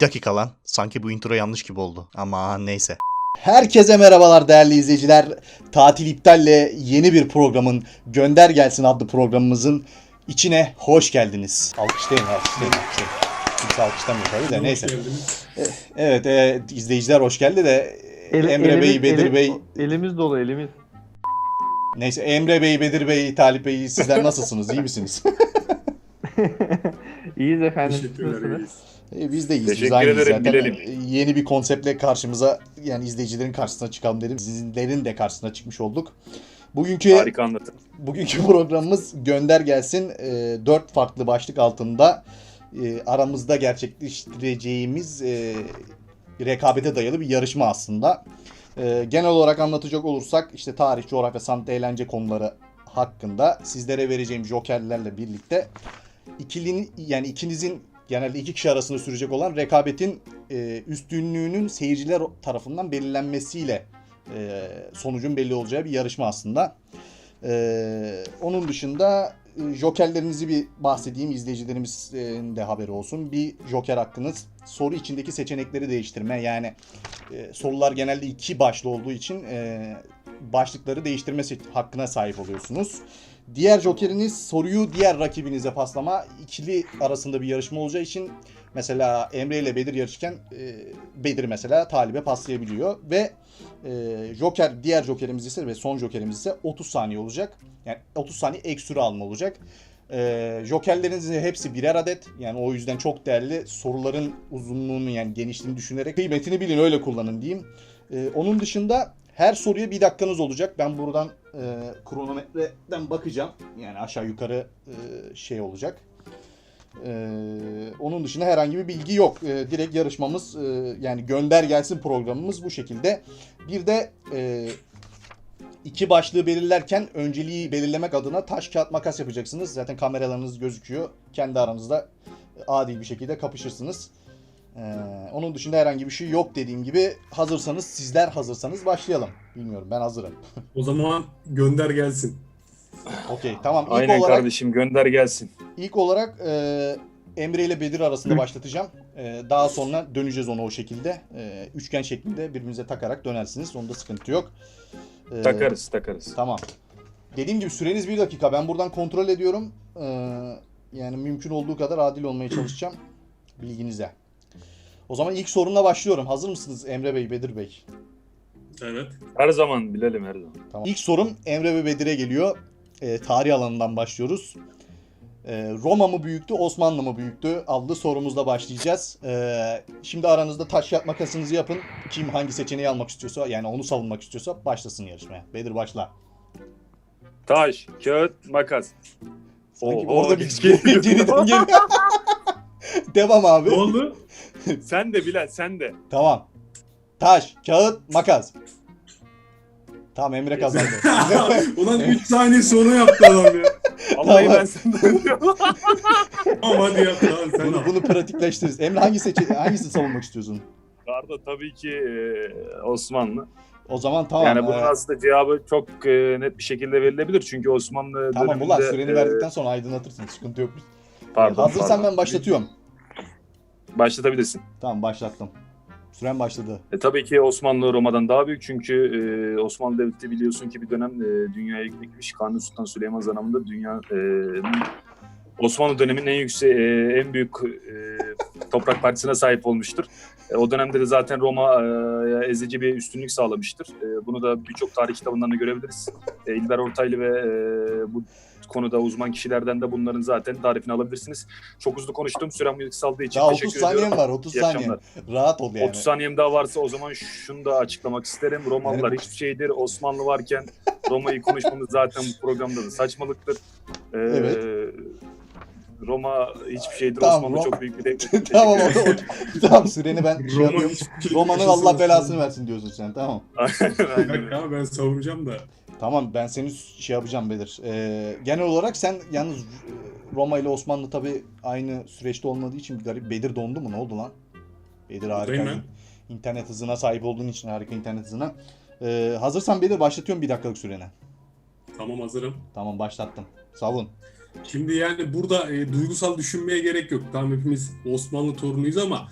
dakika lan. Sanki bu intro yanlış gibi oldu. Ama neyse. Herkese merhabalar değerli izleyiciler. Tatil iptalle yeni bir programın Gönder Gelsin adlı programımızın içine hoş geldiniz. Alkışlayın. Kimse alkışlamıyor tabii de neyse. Evet, izleyiciler hoş geldi de Emre Bey, Bedir Bey. Elimiz dolu elimiz. Neyse Emre Bey, Bedir Bey, Talip Bey sizler nasılsınız? İyi misiniz? İyiyiz efendim. Teşekkürler, iyiyiz. Biz de iyiyiz. Teşekkür Aynıyız ederim, zaten. bilelim. Yeni bir konseptle karşımıza, yani izleyicilerin karşısına çıkalım dedim. Sizlerin de karşısına çıkmış olduk. Harika anlatın. Bugünkü programımız Gönder Gelsin. 4 farklı başlık altında aramızda gerçekleştireceğimiz rekabete dayalı bir yarışma aslında. Genel olarak anlatacak olursak işte tarih, coğrafya, sanat, eğlence konuları hakkında sizlere vereceğim jokerlerle birlikte ikinizin genelde iki kişi arasında sürecek olan rekabetin üstünlüğünün seyirciler tarafından belirlenmesiyle sonucun belli olacağı bir yarışma aslında. Onun dışında jokerlerinizi bir bahsedeyim, izleyicilerimizin de haberi olsun. Bir joker hakkınız soru içindeki seçenekleri değiştirme, yani sorular genelde iki başlı olduğu için başlıkları değiştirme hakkına sahip oluyorsunuz. Diğer jokeriniz soruyu diğer rakibinize paslama. İkili arasında bir yarışma olacağı için mesela Emre ile Bedir yarışırken Bedir mesela Talip'e paslayabiliyor ve diğer jokerimiz ise ve son jokerimiz ise 30 saniye olacak. Yani 30 saniye ek süre alma olacak. Jokerlerinizin hepsi birer adet. Yani o yüzden çok değerli. Soruların uzunluğunu, yani genişliğini düşünerek kıymetini bilin, öyle kullanın diyeyim. Onun dışında her soruya bir dakikanız olacak. Ben buradan kronometreden bakacağım. Yani aşağı yukarı şey olacak. Onun dışında herhangi bir bilgi yok. Direkt yarışmamız, yani Gönder Gelsin programımız bu şekilde. Bir de iki başlığı belirlerken önceliği belirlemek adına taş kağıt makas yapacaksınız. Zaten kameralarınız gözüküyor. Kendi aranızda adil bir şekilde kapışırsınız. Onun dışında herhangi bir şey yok dediğim gibi. Sizler hazırsanız başlayalım. Bilmiyorum, ben hazırım. O zaman gönder gelsin. Okey, tamam. Aynen kardeşim, gönder gelsin. İlk olarak Emre ile Bedir arasında başlatacağım. Daha sonra döneceğiz ona o şekilde. Üçgen şeklinde birbirinize takarak dönersiniz. Onda sıkıntı yok. Takarız. Tamam. Dediğim gibi süreniz 1 dakika. Ben buradan kontrol ediyorum. Yani mümkün olduğu kadar adil olmaya çalışacağım. Bilginize. O zaman ilk sorumla başlıyorum. Hazır mısınız Emre Bey, Bedir Bey? Evet. Her zaman bilelim, her zaman. Tamam. İlk sorum Emre ve Bedir'e geliyor. Tarih alanından başlıyoruz. Roma mı büyüktü, Osmanlı mı büyüktü adlı sorumuzla başlayacağız. Şimdi aranızda taş kağıt makasınızı yapın. Kim hangi seçeneği almak istiyorsa, yani onu savunmak istiyorsa başlasın yarışmaya. Bedir başla. Taş, kağıt, makas. Sanki Oo, orada bir geç geliyor. geriden geliyor. Devam abi. Ne oldu? Sen de Bilal, sen de. Tamam. Taş, kağıt, makas. Tamam, Emre kazandı. Ulan 3 saniye sonra yaptı adam ya. Vallahi Tamam. ben senden diyorum. Tamam hadi yap lan sen al. Bunu pratikleştiririz. Emre hangisini savunmak istiyorsun? Karda tabii ki Osmanlı. O zaman tamam. Yani bunun aslında cevabı çok net bir şekilde verilebilir. Çünkü Osmanlı Tamam döneminde... ulan, süreni verdikten sonra aydınlatırsın. Sıkıntı yok. Pardon. Hazırsan ben başlatıyorum. Başlatabilirsin. Tamam, başlattım. Süren başladı. Tabii ki Osmanlı Roma'dan daha büyük çünkü Osmanlı Devleti biliyorsun ki bir dönem dünyaya yüksekmiş. Kanuni Sultan Süleyman zamanında Osmanlı döneminin en büyük toprak parçasına sahip olmuştur. O dönemde de zaten Roma ezici bir üstünlük sağlamıştır. Bunu da birçok tarih kitabından da görebiliriz. İlber Ortaylı ve bu konuda uzman kişilerden de bunların zaten tarifini alabilirsiniz. Çok hızlı konuştum. Sürem kısaldığı için Daha teşekkür 30 ediyorum. saniyem var. 30 İyi saniye. akşamlar. Rahat ol yani. 30 saniyem daha varsa o zaman şunu da açıklamak isterim. Romalılar hiçbir şeydir. Osmanlı varken Roma'yı konuşmamız zaten bu programda da saçmalıktır. Evet. Roma hiçbir şeydir. Tamam, Osmanlı çok büyük bir devlet. Tamam, Teşekkür ederim. tamam, süreni ben şey Roma yapıyorum. hiçbir şey Roma'nın yaşasın Allah belasını Osmanlı. versin diyorsun sen, tamam. Bir dakika ama ben savunacağım da. Tamam, ben seni şey yapacağım Bedir. Genel olarak sen yalnız Roma ile Osmanlı tabii aynı süreçte olmadığı için bir garip. Bedir dondu mu? Ne oldu lan? Bedir harika. Buradayım İnternet hızına sahip olduğun için, harika internet hızına. Hazırsan Bedir başlatıyorum 1 dakikalık sürene. Tamam hazırım. Tamam, başlattım. Savun. Şimdi yani burada duygusal düşünmeye gerek yok. Tamam hepimiz Osmanlı torunuyuz ama He.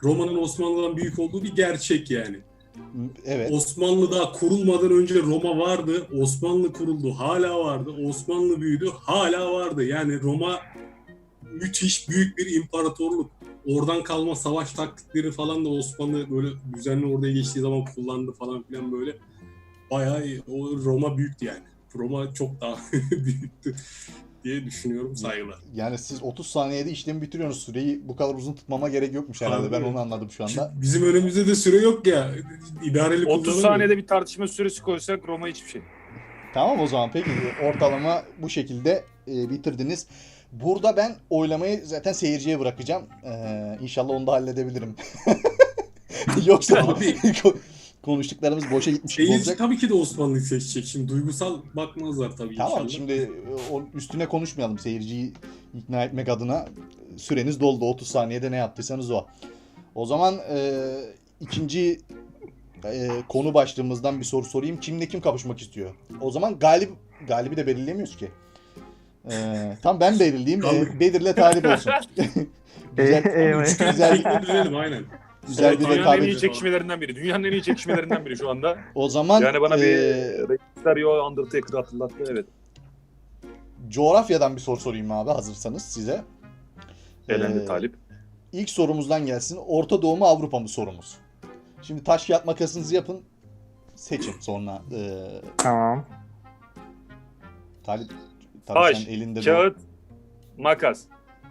Roma'nın Osmanlı'dan büyük olduğu bir gerçek yani. Evet. Osmanlı daha kurulmadan önce Roma vardı. Osmanlı kuruldu, hala vardı. Osmanlı büyüdü, hala vardı. Yani Roma müthiş büyük bir imparatorluk. Oradan kalma savaş taktikleri falan da Osmanlı böyle düzenli oraya geçtiği zaman kullandı falan filan böyle. Bayağı o Roma büyüktü yani. Roma çok daha büyüktü diye düşünüyorum, saygılar. Yani siz 30 saniyede işlemi bitiriyorsunuz. Süreyi bu kadar uzun tutmama gerek yokmuş herhalde. Abi, Ben onu anladım şu anda. Şimdi bizim önümüzde de süre yok ya. İdareli 30 kullanamıyoruz. saniyede bir tartışma süresi koysak Roma hiçbir şey. Tamam o zaman peki ortalama bu şekilde bitirdiniz. Burada ben oylamayı zaten seyirciye bırakacağım. İnşallah onu da halledebilirim. Yoksa Abi, konuştuklarımız boşa gitmiş gibi seyirci olacak. tabii ki de Osmanlı'yı seçecek. Şimdi duygusal bakmazlar tabii Tamam inşallah. şimdi o üstüne konuşmayalım. Seyirciyi ikna etmek adına süreniz doldu. 30 saniyede ne yaptıysanız o. O zaman ikinci konu başlığımızdan bir soru sorayım. Kimle kim kapışmak istiyor? O zaman galibi de belirlemiyoruz ki. Tam ben belirleyeyim. Bedir'le Talip olsun. güzel, güzel, Şekli düzelim aynen. güzel bir Dünyanın en rekabet. iyi çekişmelerinden biri. Dünyanın en iyi çekişmelerinden biri şu anda. O zaman Yani bana bir Stereo Undertaker hatırlattı, evet. coğrafyadan bir soru sorayım abi hazırsanız size. Elendi Talip. İlk sorumuzdan gelsin. Orta Doğu mu Avrupa mı sorumuz. Şimdi taş kağıt makasınızı yapın. Seçin sonra. Tamam. Talip Taş, sen elinde kağıt, makas.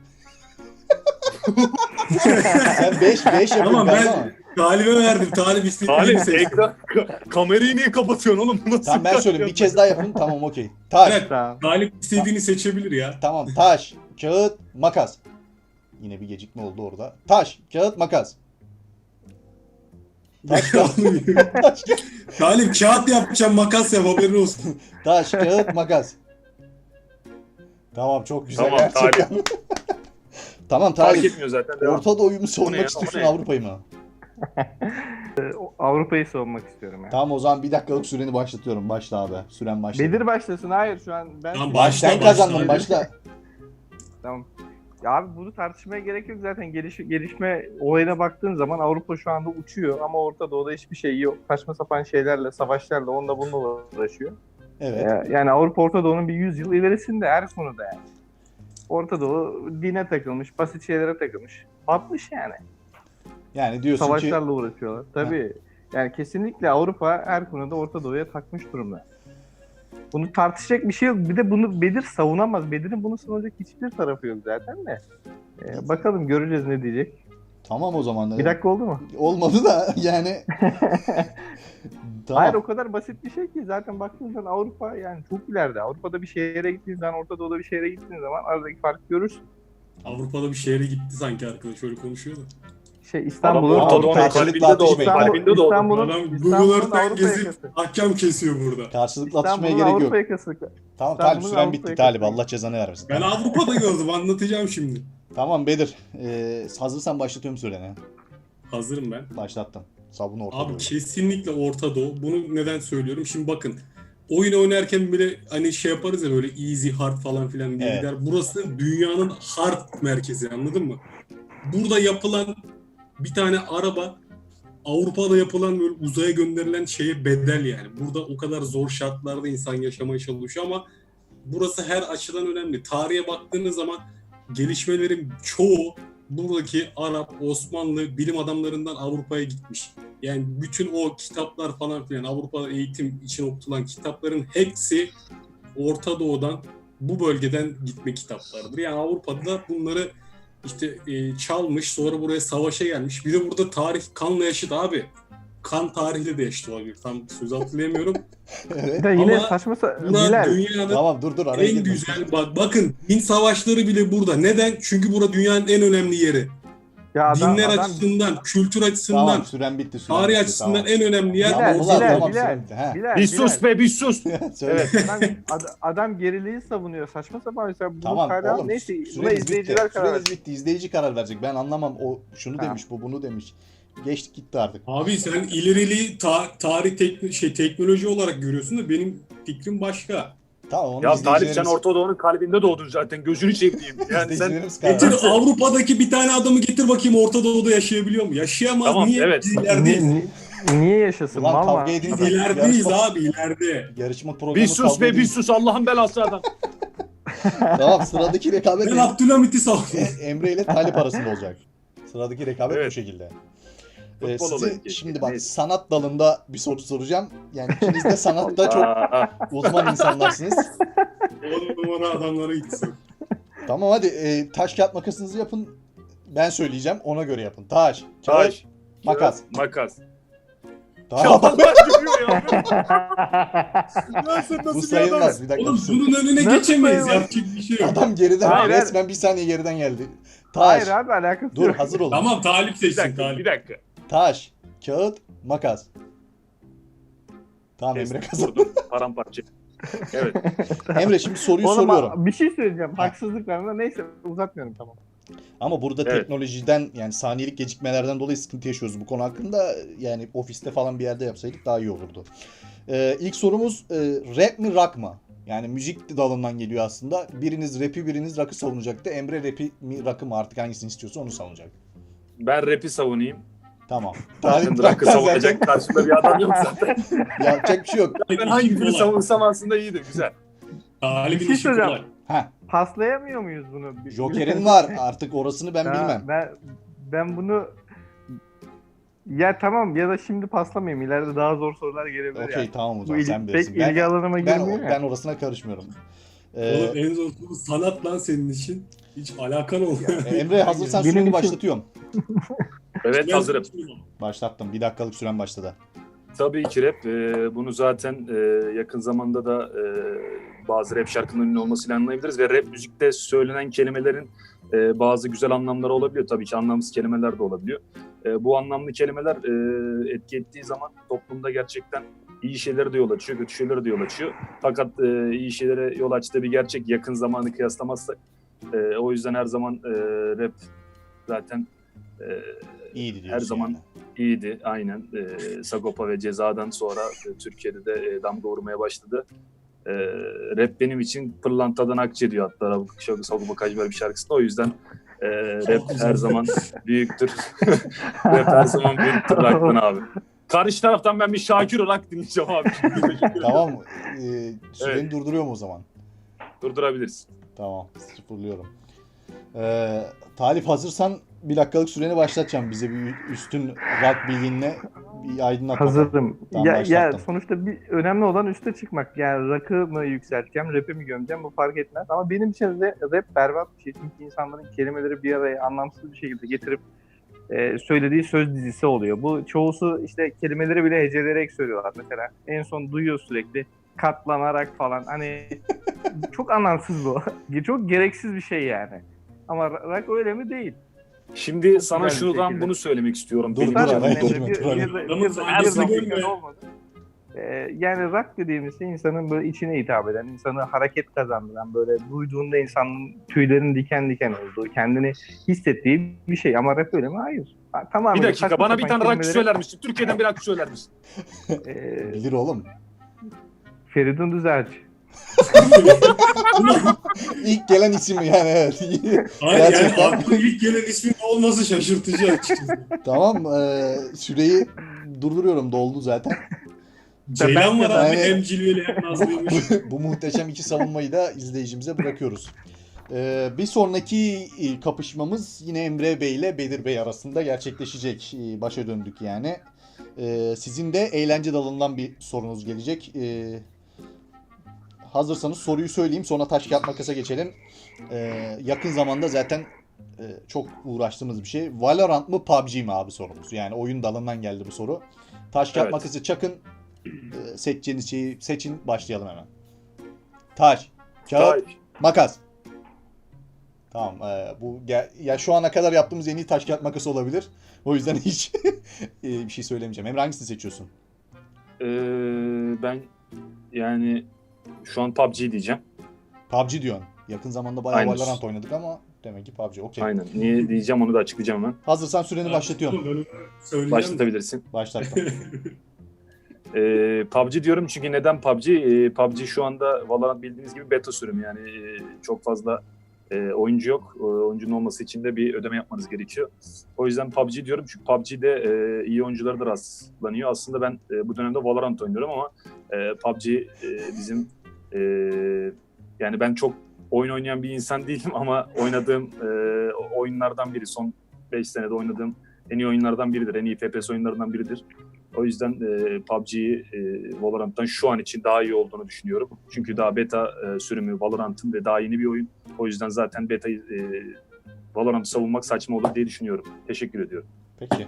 Sen 5 yapın Tamam galiba ama. ben Talip'e verdim. Talip istediğini Talip seçti. ekran kamerayı niye kapatıyorsun oğlum? Bu nasıl Tamam ben bir söyleyeyim. Bir şey? kez daha yapın. Tamam okey. Taş. Evet, Tamam. Talip istediğini seçebilir ya. Tamam taş, kağıt, makas. Yine bir gecikme oldu orada. Taş, kağıt, makas. Taş, kağıt, taş, Talip kağıt yapacağım, makas yap, haberin olsun. taş, kağıt, makas. Tamam çok güzel. Tamam, gerçekten. Tamam Fark Talip. etmiyor zaten. Devam. Orta Doğu'yu mu O ne savunmak ya, istiyorsun o ne? Avrupa'yı mı? Avrupa'yı savunmak istiyorum ya. Tamam o zaman bir dakikalık süreni başlatıyorum. Başla abi. Süren başladı. Bedir başlasın. Hayır şu an ben... Tamam, Baş, başla, sen kazandın başla. başla. Tamam. Ya abi bunu tartışmaya gerek yok zaten. Gelişme olayına baktığın zaman Avrupa şu anda uçuyor ama Orta Doğu'da hiçbir şey yok. Saçma sapan şeylerle, savaşlarla, onunla bununla uğraşıyor. Evet. Yani Avrupa Orta Doğu'nun bir 100 yıl ilerisinde her konuda yani. Orta Doğu dine takılmış, basit şeylere takılmış. Batmış yani. Yani diyorsun ki Savaşlarla uğraşıyorlar. Tabii. Yani kesinlikle Avrupa her konuda Orta Doğu'ya takmış durumda. Bunu tartışacak bir şey yok. Bir de bunu Bedir savunamaz. Bedir'in bunu savunacak hiçbir tarafı yok zaten de. Bakalım göreceğiz ne diyecek. tamam o zaman. Bir dakika oldu mu? Olmadı da yani. Tamam. Hayır o kadar basit bir şey ki zaten baktığın zaman Avrupa yani çok ileride. Avrupa'da bir şehre gittiğin zaman, Orta Doğu'da bir şehre gittiğin zaman aradaki farkı görürsün. Avrupa'da bir şehre gitti sanki arkadaş, öyle konuşuyor da. İstanbul'un Orta Avrupa Doğu'nun karşılıklı kalbinde doğdu. atışmayın. Kalbinde doğdu. İstanbul'un Adam İstanbul'un Google Earth'ten Avrupa gezip yakası. ahkam kesiyor burada. Karşılıklı atışmaya İstanbul'un gerek yok. Avrupa yakası. Tamam İstanbul'un Talip süren Avrupa bitti yakası. Talip. Allah cezanı vermesin. Ben Avrupa'da gördüm, anlatacağım şimdi. Tamam Bedir. Hazırsan başlatıyorum süreni. Hazırım ben. Başlattım. Sabun orta Abi Doğu. kesinlikle Orta Doğu. Bunu neden söylüyorum? Şimdi bakın. Oyun oynarken bile hani şey yaparız ya böyle easy hard falan filan diye Evet. gider. Burası dünyanın hard merkezi, anladın mı? Burada yapılan bir tane araba Avrupa'da yapılan böyle uzaya gönderilen şeye bedel yani. Burada o kadar zor şartlarda insan yaşamaya çalışıyor ama burası her açıdan önemli. Tarihe baktığınız zaman gelişmelerin çoğu buradaki Arap, Osmanlı bilim adamlarından Avrupa'ya gitmiş. Yani bütün o kitaplar falan filan, Avrupa eğitim için okutulan kitapların hepsi Orta Doğu'dan, bu bölgeden gitme kitaplardır. Yani Avrupa'da bunları işte çalmış, sonra buraya savaşa gelmiş. Bir de burada tarih kanla yaşıt abi. Kan tarihiyle de yaşıt olabilir. Tam söz hatırlayamıyorum. Evet. Bir de yine Ama saçma Buna Bilal. dünyanın Tamam dur araya en girme. güzel, bakın din savaşları bile burada. Neden? Çünkü burada dünyanın en önemli yeri. Ya Dinler açısından, kültür açısından, Tamam süren bitti. Süren tarih bitti, açısından tamam. en önemli yer Tamam, Bilal, ulan, Bilal, tamam, Bilal, süren bitti. He. Bilal, Bir sus Bilal. be, bir sus. Söyle. Adam geriliği savunuyor. Saçma sapan mesela bu Tamam hala oğlum neyse buna süreniz bitti. izleyiciler karar Süreniz verecek. bitti. İzleyici karar verecek. Ben anlamam. O şunu Tamam. demiş, bu bunu demiş. Geçtik gitti artık. Abi sen ileriliği tarih teknoloji olarak görüyorsun da benim fikrim başka. Tamam onu Ya Talip sen izleyicilerimiz- Orta Doğu'nun kalbinde doğdun zaten. Gözünü seveyim. Yani sen izleyicilerimiz karar Getir versin. Avrupa'daki bir tane adamı getir bakayım Orta Doğu'da yaşayabiliyor mu? Yaşayamaz. Tamam, Niye? evet. Biz ilerideyiz. Niye yaşasın? Ulan Mal kavga var. edin Biz de. ilerideyiz Yarışma- abi ileride. Yarışma programı bir sus kavga be bir edin. sus Allah'ın belası adam. Tamam sıradaki rekabet Ben Abdülhamit'i savunuyorum. Emre ile Talip arasında olacak. Sıradaki rekabet bu Evet. şekilde. Futbol Size olayı keşke. şimdi bak Neyse. sanat dalında bir soru soracağım. Yani ikiniz de sanatta çok uzman insanlarsınız. 10 numara adamlara gitsin. Tamam hadi taş kağıt makasınızı yapın. Ben söyleyeceğim ona göre yapın. Taş, kağıt, Taş. makas. Makas. Tamam. Allah görüyor ya. Lan sen Bu nasıl bir sayılmaz adamsın? bir dakika. Oğlum bunun önüne Nasıl geçemeyiz. sayılmaz? Yapacak bir şey yok. Adam geriden Hayır, resmen bir saniye geriden geldi. Taş. Hayır abi alakası Dur yok. hazır olun. Tamam Talip Bir seçsin dakika, Talip. bir dakika. Taş, kağıt, makas. Tamam Emre Kestim, kazandı. vurdum. Paramparça. Evet. Emre şimdi soruyu Oğlum, soruyorum. bir şey söyleyeceğim. Haksızlık var ama neyse uzatmıyorum tamam. Ama burada Evet. teknolojiden yani saniyelik gecikmelerden dolayı sıkıntı yaşıyoruz bu konu hakkında. Yani ofiste falan bir yerde yapsaydık daha iyi olurdu. İlk sorumuz rap mi rock mı? Yani müzik dalından geliyor aslında. Biriniz rap'i biriniz rock'ı savunacaktı. Emre rap'i mi rock'ı mı artık hangisini istiyorsa onu savunacak. Ben rap'i savunayım. Tamam. Zaten Talip Rock'ı rock'tan savunacak karşımda bir adam yok zaten. zaten yapacak bir şey yok. Ben hangisini savunsam aslında iyiydi. Güzel. Talip'in Bir şey işi söyleyeceğim. kolay. Heh, Paslayamıyor muyuz bunu? Joker'in var. Artık orasını ben Ha, bilmem. Ben bunu ya tamam ya da şimdi paslamayayım. İleride daha zor sorular gelebilir Okey yani. tamam o Bu zaman sen pek bilirsin. ilgi alanıma girmiyor ya. Ben orasına karışmıyorum. Oğlum en zor soru sanat lan senin için. Hiç alakan olmuyor. Emre hazırsan Benim süreni için- başlatıyorum. Evet Ben hazırım. seçmiyorum. Başlattım. 1 dakikalık süren başladı. Tabii ki rap. Bunu zaten yakın zamanda da bazı rap şarkılarının ünlü olmasıyla anlayabiliriz. Ve rap müzikte söylenen kelimelerin bazı güzel anlamları olabiliyor. Tabii ki anlamsız kelimeler de olabiliyor. Bu anlamlı kelimeler etki ettiği zaman toplumda gerçekten iyi şeylere de yol açıyor, kötü şeylere de yol açıyor. Fakat iyi şeylere yol açtığı bir gerçek yakın zamanı kıyaslamazsak. O yüzden her zaman rap zaten İyiydi diyorsun. her zaman yani. iyiydi. Aynen. Sagopa ve Ceza'dan sonra Türkiye'de de damga vurmaya başladı. Rap benim için pırlantadan akçe diyor hatta Sagopa Kajmer bir şarkısında. O yüzden rap her zaman büyüktür. Rap her zaman büyüktür rock'tan abi. Karşı taraftan ben bir Şakir olarak dinleyeceğim abi. Tamam. Süreni Evet. durduruyorum o zaman. Durdurabiliriz. Tamam. Sıfırlıyorum. Talip hazırsan 1 dakikalık süreni başlatacağım. Bize bir üstün rock bilginle bir aydınlat bakalım. Hazırdım. Tamam, Ya başlattım. sonuçta bir önemli olan üste çıkmak. Yani rock'ı mı yükselteceğim, rap'i mi gömeceğim bu fark etmez. Ama benim için de rap berbat bir şey. Çünkü insanların kelimeleri bir araya anlamsız bir şekilde getirip söylediği söz dizisi oluyor. Bu çoğusu işte kelimeleri bile heceleyerek söylüyorlar. Mesela en son duyuyor sürekli katlanarak falan. Hani çok anlamsız bu. Çok gereksiz bir şey yani. Ama rock öyle mi? Değil. Şimdi Çok sana güzel bir şuradan şekilde. bunu söylemek istiyorum. Dur, Benim dur, için araya bu- girme, dur, araya. Adamın her saygısını zaman görme. olmadı. Yani rock dediğimiz şey insanın böyle içine hitap eden, insanı hareket kazandıran, böyle duyduğunda insanın tüylerin diken diken olduğu, kendini hissettiği bir şey. Ama rap öyle mi? Hayır. Tamamen Bir dakika saçma bana bir sapan tane rock kelimeleri- söyler misin? Türkiye'den bir rock söyler misin? Bilir oğlum. Feridun Düzelci. İlk gelen isim yani evet. Hayır yani Gerçekten. aklıma ilk gelen ismin olması şaşırtıcı açıkçası. Tamam. Süreyi durduruyorum. Doldu zaten. Ceylan var abi Yani- hem cilveli hem nazlıymış. Bu muhteşem iki savunmayı da izleyicimize bırakıyoruz. Bir sonraki kapışmamız yine Emre Bey ile Bedir Bey arasında gerçekleşecek. Başa döndük yani. Sizin de eğlence dalından bir sorunuz gelecek. Hazırsanız soruyu söyleyeyim sonra taş kağıt makasa geçelim. Yakın zamanda zaten çok uğraştığımız bir şey. Valorant mı PUBG mi abi sorumuz. Yani oyun dalından geldi bu soru. Taş kağıt Evet. makası çakın. Seçeceğiniz şeyi seçin başlayalım hemen. Taş, kağıt, Taş. makas. Tamam. Ya şu ana kadar yaptığımız en iyi taş kağıt makası olabilir. O yüzden hiç bir şey söylemeyeceğim. Emre hangisini seçiyorsun? Ben yani şu an PUBG diyeceğim. PUBG diyorsun. Yakın zamanda bayağı Aynen. Valorant oynadık ama demek ki PUBG. Okey. Aynen. Niye diyeceğim onu da açıklayacağım hemen. Hazırsan süreni başlatıyorum. Ben onu söyleyeceğim. Başlatabilirsin. Başlattım. PUBG diyorum çünkü neden PUBG? PUBG şu anda Valorant bildiğiniz gibi beta sürümü, yani çok fazla oyuncu yok. Oyuncunun olması için de bir ödeme yapmanız gerekiyor. O yüzden PUBG diyorum çünkü PUBG'de iyi oyuncular da rastlanıyor. Aslında ben bu dönemde Valorant oynuyorum ama PUBG bizim yani ben çok oyun oynayan bir insan değilim ama oynadığım oyunlardan biri. Son 5 senede oynadığım en iyi oyunlardan biridir. En iyi FPS oyunlarından biridir. O yüzden PUBG'yi Valorant'tan şu an için daha iyi olduğunu düşünüyorum. Çünkü daha beta sürümü Valorant'ın ve daha yeni bir oyun. O yüzden zaten beta'yı Valorant'ı savunmak saçma olur diye düşünüyorum. Teşekkür ediyorum. Peki.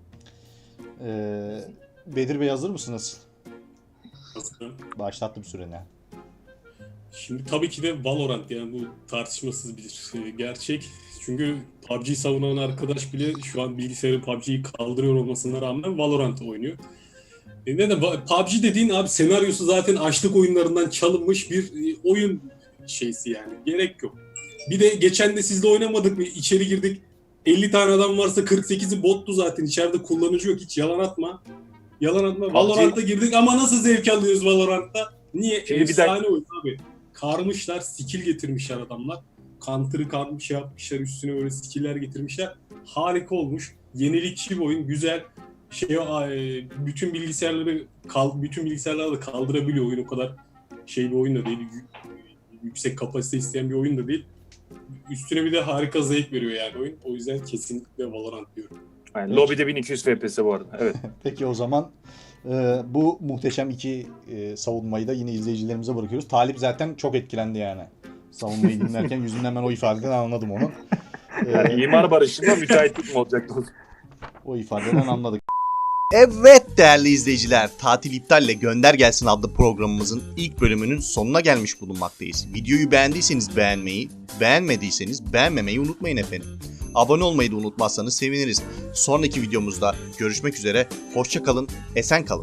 Bedir Bey hazır mısınız? Hazırım. Başlattım süreni. Şimdi tabii ki de Valorant, yani bu tartışmasız bir gerçek. Çünkü PUBG savunan arkadaş bile şu an bilgisayarı PUBG'yi kaldırıyor olmasına rağmen Valorant oynuyor. Neden? PUBG dediğin abi senaryosu zaten açlık oyunlarından çalınmış bir oyun şeysi yani. Gerek yok. Bir de geçen de sizle oynamadık mı? İçeri girdik. 50 tane adam varsa 48'i bottu zaten. İçeride kullanıcı yok. Hiç yalan atma. Yalan atma. Valorant'a girdik ama nasıl zevk alıyoruz Valorant'ta? Niye? Şimdi bir Efsane oyun abi. Karmışlar, skill getirmişler adamlar. Counter'ı karmış yapmışlar, üstüne böyle skill'ler getirmişler. Harika olmuş. Yenilikçi bir oyun, güzel. Bütün bilgisayarları da kaldırabiliyor oyun, o kadar bir oyun da değil. Yüksek kapasite isteyen bir oyun da değil. Üstüne bir de harika zevk veriyor yani oyun. O yüzden kesinlikle Valorant diyorum. Yani lobide 1200 FPS bu arada. Evet. Peki o zaman bu muhteşem iki savunmayı da yine izleyicilerimize bırakıyoruz. Talip zaten çok etkilendi yani. Savunmayı dinlerken yüzünden ben o ifadeden anladım onu. Yani imar barışında müteahhitlik mi olacaktı? O ifadeden anladık. Evet değerli izleyiciler, Tatil İptal'le Gönder Gelsin adlı programımızın ilk bölümünün sonuna gelmiş bulunmaktayız. Videoyu beğendiyseniz beğenmeyi, beğenmediyseniz beğenmemeyi unutmayın efendim. Abone olmayı da unutmazsanız seviniriz. Sonraki videomuzda görüşmek üzere, hoşça kalın, esen kalın.